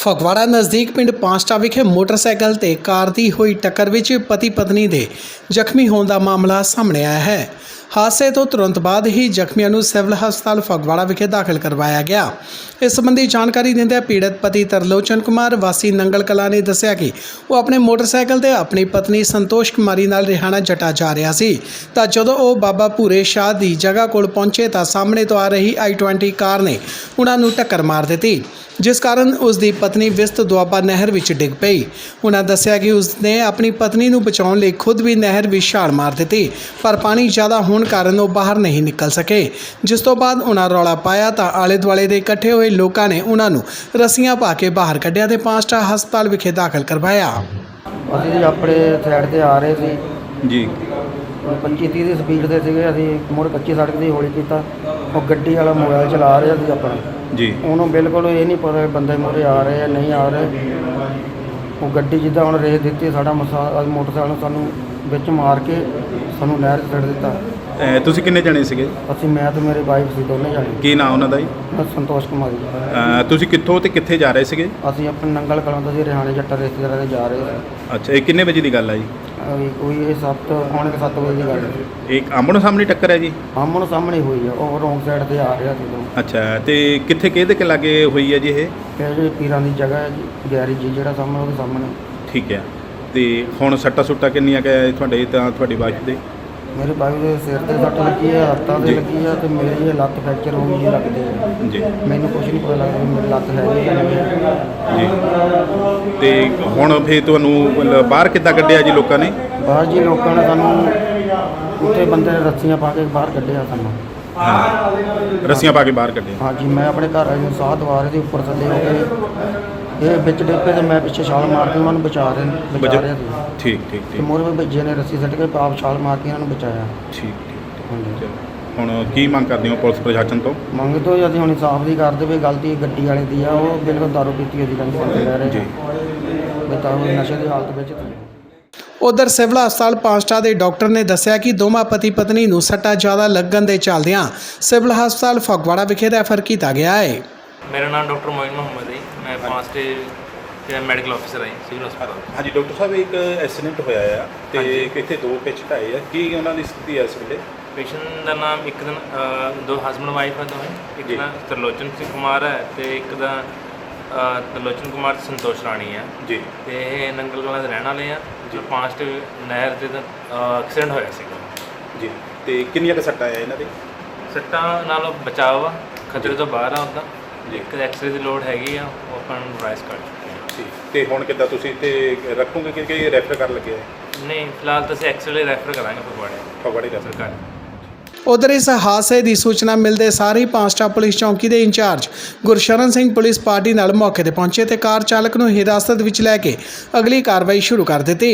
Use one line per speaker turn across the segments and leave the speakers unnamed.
ਫਗਵਾੜਾ ਨਜ਼ਦੀਕ ਪਿੰਡ ਪਾਂਸਟਾ ਵਿਖੇ ਮੋਟਰਸਾਈਕਲ ਤੇ ਕਾਰ ਦੀ ਹੋਈ ਟੱਕਰ ਵਿੱਚ ਪਤੀ ਪਤਨੀ ਦੇ ਜ਼ਖਮੀ ਹੋਣ ਦਾ ਮਾਮਲਾ ਸਾਹਮਣੇ ਆਇਆ ਹੈ। ਹਾਦਸੇ ਤੋਂ ਤੁਰੰਤ ਬਾਅਦ ਹੀ ਜ਼ਖਮੀਆਂ ਨੂੰ ਸਿਵਲ ਹਸਪਤਾਲ ਫਗਵਾੜਾ ਵਿਖੇ ਦਾਖਲ ਕਰਵਾਇਆ ਗਿਆ। ਇਸ ਸੰਬੰਧੀ ਜਾਣਕਾਰੀ ਦਿੰਦਿਆਂ ਪੀੜਤ ਪਤੀ ਤਰਲੋਚਨ ਕੁਮਾਰ ਵਾਸੀ ਨੰਗਲ ਕਲਾਂ ਨੇ ਦੱਸਿਆ ਕਿ ਉਹ ਆਪਣੇ ਮੋਟਰਸਾਈਕਲ ਤੇ ਆਪਣੀ ਪਤਨੀ ਸੰਤੋਸ਼ ਕੁਮਾਰੀ ਨਾਲ ਰਿਹਾਣਾ ਜੱਟਾ ਜਾ ਰਿਹਾ ਸੀ ਤਾਂ ਜਦੋਂ ਉਹ ਬਾਬਾ ਭੂਰੇ ਸ਼ਾਹ ਦੀ ਜਗ੍ਹਾ ਕੋਲ ਪਹੁੰਚੇ ਤਾਂ ਸਾਹਮਣੇ ਤੋਂ ਆ ਰਹੀ i20 ਕਾਰ ਨੇ ਉਹਨਾਂ ਨੂੰ ਟੱਕਰ ਮਾਰ ਦਿੱਤੀ, ਜਿਸ ਕਾਰਨ ਉਸ ਦੀ ਪਤਨੀ ਵਿਸਤ ਦੁਆਬਾ ਨਹਿਰ ਵਿੱਚ ਡਿੱਗ ਪਈ। ਉਹਨਾਂ ਦੱਸਿਆ ਕਿ ਉਸ ਨੇ ਆਪਣੀ ਪਤਨੀ ਨੂੰ ਬਚਾਉਣ ਲਈ ਖੁਦ ਵੀ ਨਹਿਰ ਵਿੱਚ ਛਾਲ ਮਾਰ ਦਿੱਤੀ, ਪਰ ਪਾਣੀ ਜ਼ਿਆਦਾ ਹੋਣ ਕਾਰਨ ਉਹ ਬਾਹਰ ਨਹੀਂ ਨਿਕਲ ਸਕੇ। ਜਿਸ ਤੋਂ ਬਾਅਦ ਉਹਨਾਂ ਰੌਲਾ ਪਾਇਆ ਤਾਂ ਆਲੇ ਦੁਆਲੇ ਦੇ ਇਕੱਠੇ ਹੋਏ ਲੋਕਾਂ ਨੇ ਉਹਨਾਂ ਨੂੰ ਰੱਸੀਆਂ ਪਾ ਕੇ ਬਾਹਰ ਕੱਢਿਆ ਤੇ ਪਾਂਸਟਾ ਹਸਪਤਾਲ ਵਿਖੇ ਦਾਖਲ ਕਰਵਾਇਆ।
ਅਸੀਂ ਜੀ ਆਪਣੇ ਸਾਈਡ ਤੇ ਆ ਰਹੇ ਸੀ
ਜੀ
25-30 ਦੀ ਸਪੀਡ ਤੇ ਸੀਗੇ। ਅਸੀਂ ਮੁੜ ਕੱਚੀ ਸੜਕ ਦੀ ਹੌਲੀ ਕੀਤਾ। ਉਹ ਗੱਡੀ ਵਾਲਾ ਮੋਬਾਈਲ ਚਲਾ ਰਿਹਾ ਸੀ ਆਪਣਾ
ਜੀ।
ਉਹਨੂੰ ਬਿਲਕੁਲ ਇਹ ਨਹੀਂ ਪਤਾ ਬੰਦੇ ਮੂਹਰੇ ਆ ਰਹੇ ਆ ਨਹੀਂ ਆ ਰਹੇ। ਉਹ ਗੱਡੀ ਜਿੱਦਾਂ ਹੁਣ ਰੇਸ ਦਿੱਤੀ, ਸਾਡਾ ਮੋਟਰਸਾਈਕਲ ਨੂੰ ਸਾਨੂੰ ਵਿੱਚ ਮਾਰ ਕੇ ਸਾਨੂੰ ਨਹਿਰ 'ਚ ਸੁੱਟ ਦਿੱਤਾ।
ਤੁਸੀਂ ਕਿੰਨੇ ਜਣੇ ਸੀਗੇ?
ਅਸੀਂ ਮੈਂ ਤੇ ਮੇਰੇ ਵਾਈਫ ਸੀ, ਦੋਨੇ ਜਾਣੇ।
ਕੀ ਨਾਂ ਉਹਨਾਂ ਦਾ ਜੀ?
ਸੰਤੋਸ਼ ਕੁਮਾਰੀ।
ਤੁਸੀਂ ਕਿੱਥੋਂ ਤੇ ਕਿੱਥੇ ਜਾ ਰਹੇ ਸੀਗੇ?
ਅਸੀਂ ਆਪਣੇ ਨੰਗਲ ਕਲਾਂ ਤੋਂ ਜੀ ਰਿਹਾਣੇ ਜੱਟਾ ਰਿਸ਼ਤੇਦਾਰਾਂ ਦੇ ਜਾ ਰਹੇ ਸੀ।
ਅੱਛਾ, ਇਹ ਕਿੰਨੇ ਵਜੇ ਦੀ ਗੱਲ ਹੈ ਜੀ?
ਕੋਈ ਇਹ 7 ਵਜੇ ਦੀ ਗੱਲ ਹੈ।
ਇਹ ਆਮਣੋ ਸਾਹਮਣੇ ਟੱਕਰ ਹੈ ਜੀ?
ਆਮਣ ਸਾਹਮਣੇ ਹੋਈ ਆ। ਉਹ ਰੋਂਗ ਸਾਈਡ ਤੇ ਆ ਰਿਹਾ ਸੀ।
ਅੱਛਾ, ਤੇ ਕਿੱਥੇ ਕਿਹਦੇ ਕੇ ਲਾਗੇ ਹੋਈ ਹੈ ਜੀ ਇਹ?
ਜਿਹੜੀ ਪੀਰਾਂ ਦੀ ਜਗ੍ਹਾ ਹੈ ਜੀ, ਗੈਰੇਜ ਜੀ ਜਿਹੜਾ ਸਾਹਮਣੇ, ਉਹਦੇ ਸਾਹਮਣੇ।
ਠੀਕ ਹੈ। ਤੇ ਹੁਣ ਸੱਟਾਂ ਸੁੱਟਾਂ ਕਿੰਨੀਆਂ ਕੁ ਹੈ ਤੁਹਾਡੇ ਤਾਂ ਤੁਹਾਡੀ ਵਾਈਫ ਦੇ?
ਮੇਰੇ ਬਾਈ ਦੇ ਸਿਰ ਤੇ ਸੱਟ ਲੱਗੀ ਹੈ, ਹੱਥਾਂ ਤੇ ਲੱਗੀ ਹੈ ਤੇ ਮੇਰੀ ਇਹ ਲੱਤ ਫ੍ਰੈਕਚਰ ਹੋ ਗਈ ਜੀ ਲੱਗਦੀ ਹੈ
ਜੀ।
ਮੈਨੂੰ ਕੁਝ ਨਹੀਂ ਪਤਾ ਲੱਗਦਾ ਵੀ ਮੇਰੀ ਲੱਤ ਹੈ ਜਾਂ ਨਹੀਂ।
ਜੀ। ਤੇ ਹੁਣ ਫਿਰ ਤੁਹਾਨੂੰ ਮਤਲਬ ਬਾਹਰ ਕਿੱਦਾਂ ਕੱਢਿਆ ਜੀ ਲੋਕਾਂ ਨੇ?
ਬਾਹਰ ਜੀ ਲੋਕਾਂ ਨੇ ਸਾਨੂੰ ਉੱਥੇ ਬੰਦੇ ਨੇ ਰੱਸੀਆਂ ਪਾ ਕੇ ਬਾਹਰ ਕੱਢਿਆ ਸਾਨੂੰ।
ਹਾਂ, ਰੱਸੀਆਂ ਪਾ ਕੇ ਬਾਹਰ ਕੱਢਿਆ।
ਹਾਂ ਜੀ, ਮੈਂ ਆਪਣੇ ਘਰ ਵਾਲੇ ਨੂੰ ਸਾਹ ਦਵਾ ਰਹੀ ਸੀ, ਉੱਪਰ ਥੱਲੇ ਹੋ ਕੇ ਇਹ ਵਿੱਚ ਡਿੱਪੇ ਤੇ ਮੈਂ ਪਿੱਛੇ ਛਾਲ ਮਾਰ ਕੇ ਉਹਨਾਂ ਨੂੰ ਬਚਾ ਰਿਹਾ ਸੀ।
ਠੀਕ ਠੀਕ
ਤੇ
ਠੀਕ
ਮੋਰੇ ਵਿੱਚ ਬੱਜੇ ਨੇ ਰੱਸੀ ਸੱਟ ਕੇ ਆਪ ਛਾਲ ਮਾਰ ਕੇ ਇਹਨਾਂ ਨੂੰ ਬਚਾਇਆ।
ਠੀਕ ਠੀਕ।
ਹਾਂਜੀ।
ਚਲੋ, ਹੁਣ ਕੀ ਮੰਗ ਕਰਦੇ ਹੋ ਪੁਲਿਸ ਪ੍ਰਸ਼ਾਸਨ ਤੋਂ?
ਮੰਗ ਤੋਂ ਅਸੀਂ ਹੁਣ ਇਨਸਾਫ ਦੀ ਕਰਦੇ ਵੀ ਗਲਤੀ ਗੱਡੀ ਵਾਲੇ ਦੀ ਆ। ਉਹ ਬਿਲਕੁਲ ਦਾਰੂ ਪੀਤੀ ਹੋਈ ਕਹਿੰਦੇ ਬੰਦੇ ਲੈ ਰਹੇ
ਜੀ।
ਵੀ ਦਾਰੂ ਨਸ਼ੇ ਦੀ ਹਾਲਤ ਵਿੱਚ ਸੀ।
ਉਧਰ ਸਿਵਲ ਹਸਪਤਾਲ ਪਾਂਸਟਾ ਦੇ ਡਾਕਟਰ ਨੇ ਦੱਸਿਆ ਕਿ ਦੋਵਾਂ ਪਤੀ ਪਤਨੀ ਨੂੰ ਸੱਟਾਂ ਜ਼ਿਆਦਾ ਲੱਗਣ ਦੇ ਚੱਲਦਿਆਂ ਸਿਵਲ ਹਸਪਤਾਲ ਫਗਵਾੜਾ ਵਿਖੇ ਰੈਫਰ ਕੀਤਾ ਗਿਆ ਹੈ।
मेरा नाम डॉक्टर मोइन मोहम्मद है। मैं पांचटे ਮੈਡੀਕਲ ਆਫਿਸਰ ਹਾਂ ਸਿਵਲ ਹਸਪਤਾਲ।
ਹਾਂਜੀ ਡਾਕਟਰ ਸਾਹਿਬ, ਇੱਕ ਐਕਸੀਡੈਂਟ ਹੋਇਆ ਆ ਤੇ ਕਿੱਥੇ ਦੋ ਪੇਸ਼ੈਂਟ ਆਏ ਆ, ਕੀ ਉਹਨਾਂ ਦੀ ਸਥਿਤੀ ਹੈ ਇਸ ਵੇਲੇ?
ਪੇਸ਼ੈਂਟ ਦਾ ਨਾਮ ਇੱਕ ਦਿਨ ਦੋ ਹਸਬੈਂਡ ਵਾਈਫ ਹੈ ਦੋਵੇਂ। ਇੱਕ ਦਾ ਤਰਲੋਚਨ ਸਿੰਘ ਕੁਮਾਰ ਹੈ ਤੇ ਇੱਕ ਦਾ ਤਰਲੋਚਨ ਕੁਮਾਰ ਸੰਤੋਸ਼ ਰਾਣੀ ਹੈ
ਜੀ।
ਤੇ ਇਹ ਨੰਗਲ ਕਲਾਂ ਦੇ ਰਹਿਣ ਵਾਲੇ ਆ ਜੀ। ਪਾਂਚਟੇ ਨਹਿਰ ਤੇ ਐਕਸੀਡੈਂਟ ਹੋਇਆ ਸੀਗਾ
ਜੀ। ਤੇ ਕਿੰਨੀਆਂ ਕੁ ਸੱਟਾਂ ਆ ਇਹਨਾਂ ਦੇ?
ਸੱਟਾਂ ਨਾਲੋਂ ਬਚਾਅ ਵਾ, ਖਤਰੇ ਤੋਂ ਬਾਹਰ ਆ ਉੱਦਾਂ। ਇੱਕ ਐਕਸਰੇ ਦੀ ਲੋੜ ਹੈਗੀ ਆ, ਉਹ ਆਪਾਂ ਨੂੰ ਰਾਈਸ ਕਰ ਚੁੱਕੇ ਹਾਂ।
ਠੀਕ। ਤੇ ਹੁਣ ਕਿੱਦਾਂ ਤੁਸੀਂ ਇੱਥੇ ਰੱਖੋਗੇ ਕਿ ਰੈਫਰ ਕਰ ਲੱਗੇ ਆ?
ਨਹੀਂ, ਫਿਲਹਾਲ ਤਾਂ ਅਸੀਂ ਐਕਸਰੇ ਰੈਫਰ ਕਰਾਂਗੇ
ਫਗਵਾੜੇ ਰੈਫਰ
ਸਰਕਾਰ।
ਉਧਰ ਇਸ ਹਾਦਸੇ ਦੀ ਸੂਚਨਾ ਮਿਲਦੇ ਸਾਰ ਹੀ ਪਾਂਸਟਾ ਪੁਲਿਸ ਚੌਂਕੀ ਦੇ in charge Gursharan Singh police party ਨਾਲ ਮੌਕੇ ਤੇ ਪਹੁੰਚੇ ਤੇ ਕਾਰ ਚਾਲਕ ਨੂੰ ਹਿਰਾਸਤ ਵਿੱਚ ਲੈ ਕੇ ਅਗਲੀ ਕਾਰਵਾਈ ਸ਼ੁਰੂ ਕਰ ਦਿੱਤੀ।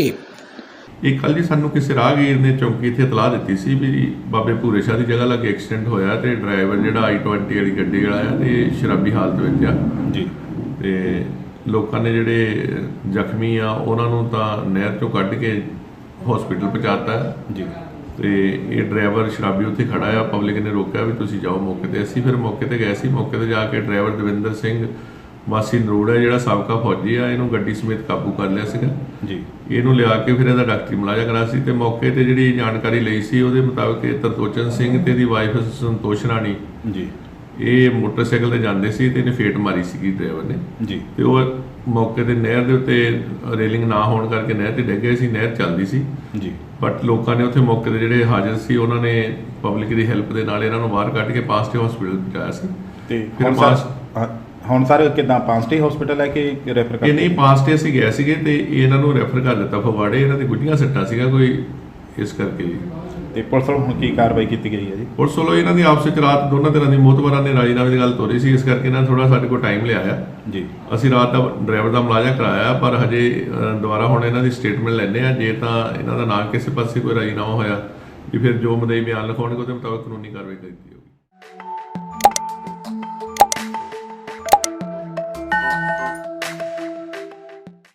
ਇਹ ਕੱਲ੍ਹ ਜੀ ਸਾਨੂੰ ਕਿਸੇ ਰਾਹਗੀਰ ਨੇ ਚੌਂਕੀ ਇੱਥੇ ਇਤਲਾਹ ਦਿੱਤੀ ਸੀ ਵੀ ਬਾਬੇ ਭੂਰੇ ਸ਼ਾਹ ਦੀ ਜਗ੍ਹਾ ਲੱਗੇ ਐਕਸੀਡੈਂਟ ਹੋਇਆ ਤੇ ਡਰਾਈਵਰ ਜਿਹੜਾ i20 ਵਾਲੀ ਗੱਡੀ ਵਾਲਾ ਆ ਤੇ ਸ਼ਰਾਬੀ ਹਾਲਤ ਵਿੱਚ ਆ
ਜੀ।
ਤੇ ਲੋਕਾਂ ਨੇ ਜਿਹੜੇ ਜ਼ਖਮੀ ਆ ਉਹਨਾਂ ਨੂੰ ਤਾਂ ਨਹਿਰ ਚੋਂ ਕੱਢ ਕੇ ਹਸਪੀਟਲ ਪਹੁੰਚਾਤਾ ਜੀ। ਤੇ ਇਹ ਡਰਾਈਵਰ ਸ਼ਰਾਬੀ ਉੱਥੇ ਖੜਾ ਆ, ਪਬਲਿਕ ਨੇ ਰੋਕਿਆ ਵੀ ਤੁਸੀਂ ਜਾਓ ਮੌਕੇ ਤੇ। ਅਸੀਂ ਫਿਰ ਮੌਕੇ ਤੇ ਗਏ ਸੀ। ਮੌਕੇ ਤੇ ਜਾ ਕੇ ਡਰਾਈਵਰ ਦਵਿੰਦਰ ਸਿੰਘ ਵਾਸੀ ਨਰੋੜ ਹੈ ਜਿਹੜਾ ਸਾਬਕਾ ਫੌਜੀ ਆ, ਇਹਨੂੰ ਗੱਡੀ ਸਮੇਤ ਕਾਬੂ ਕਰ ਲਿਆ ਸੀਗਾ ਜੀ। ਇਹਨੂੰ ਲਿਆ ਕੇ ਫਿਰ ਇਹਦਾ ਡਾਕਟਰੀ ਮੁਲਾਜ਼ਾ ਕਰਾ ਸੀ ਤੇ ਮੌਕੇ ਤੇ ਜਿਹੜੀ ਜਾਣਕਾਰੀ ਲਈ ਸੀ ਉਹਦੇ ਮੁਤਾਬਕ ਇਹ ਤਰਲੋਚਨ ਸਿੰਘ ਤੇ ਇਹਦੀ ਵਾਈਫ ਸੰਤੋਸ਼ ਰਾਣੀ ਜੀ ਇਹ ਮੋਟਰਸਾਈਕਲ ਤੇ ਜਾਂਦੇ ਸੀ ਤੇ ਇਹਨੇ ਫੇਟ ਮਾਰੀ ਸੀਗੀ ਡਰਾਈਵਰ ਨੇ ਜੀ। ਤੇ ਉਹ ਮੌਕੇ ਤੇ ਨਹਿਰ ਦੇ ਉੱਤੇ ਰੇਲਿੰਗ ਨਾ ਹੋਣ ਕਰਕੇ ਨਹਿਰ ਤੇ ਡਿੱਗ ਗਏ ਸੀ। ਨਹਿਰ ਚੱਲਦੀ ਸੀ ਜੀ, ਬਟ ਲੋਕਾਂ ਨੇ ਉੱਥੇ ਮੌਕੇ ਤੇ ਜਿਹੜੇ ਹਾਜ਼ਰ ਸੀ ਉਹਨਾਂ ਨੇ ਪਬਲਿਕ ਦੀ ਹੈਲਪ ਦੇ ਨਾਲ ਇਹਨਾਂ ਨੂੰ ਬਾਹਰ ਕੱਢ ਕੇ ਪਾਂਸਟੇ ਹਸਪੀਟਲ ਪਹੁੰਚਾਇਆ ਸੀ।
ਤੇ ਹੁਣ ਸਰ ਕਿੱਦਾਂ ਪਾਂਸਟੇ ਹਸਪੀਟਲ ਹੈ ਕਿ ਰੈਫਰ ਕਰ?
ਇਹ ਨਹੀਂ, ਪਾਂਸਟੇ ਅਸੀਂ ਗਏ ਸੀਗੇ ਤੇ ਇਹਨਾਂ ਨੂੰ ਰੈਫਰ ਕਰ ਦਿੱਤਾ ਫਗਵਾੜੇ। ਇਹਨਾਂ ਦੀ ਗੁੱਡੀਆਂ ਸੱਟਾਂ ਸੀਗਾ ਕੋਈ, ਇਸ ਕਰਕੇ ਜੀ।
ਤੇ ਪੁਲਿਸ ਵੱਲੋਂ ਹੁਣ ਕੀ ਕਾਰਵਾਈ ਕੀਤੀ ਗਈ ਹੈ ਜੀ?
ਪੁਲਿਸ ਵੱਲੋਂ ਇਹਨਾਂ ਦੀ ਆਪਸ ਵਿੱਚ ਰਾਤ ਦੋਨਾਂ ਤਰ੍ਹਾਂ ਦੀ ਮੋਹਤਬਰਾਂ ਨੇ ਰਾਜੀਨਾਮੇ ਦੀ ਗੱਲ ਤੋਰੀ ਸੀ, ਇਸ ਕਰਕੇ ਇਹਨਾਂ ਥੋੜਾ ਸਾਡੇ ਕੋਲ ਟਾਈਮ ਲਿਆ ਆ ਜੀ। ਅਸੀਂ ਰਾਤ ਦਾ ਡਰਾਈਵਰ ਦਾ ਮੁਲਾਜ਼ਾ ਕਰਾਇਆ, ਪਰ ਹਜੇ ਦੁਬਾਰਾ ਹੁਣ ਇਹਨਾਂ ਦੀ ਸਟੇਟਮੈਂਟ ਲੈਣੇ ਆ। ਜੇ ਤਾਂ ਇਹਨਾਂ ਦਾ ਨਾ ਕਿਸੇ ਪਾਸੇ ਕੋਈ ਰਾਜੀਨਾਮਾ ਹੋਇਆ ਵੀ ਫਿਰ ਜੋ ਮਦਈ ਬਿਆਨ ਲਿਖਾਉਣਗੇ ਉਹਦੇ ਮੁਤਾਬਕ ਕਾਨੂੰਨੀ ਕਾਰਵਾਈ ਕੀਤੀ।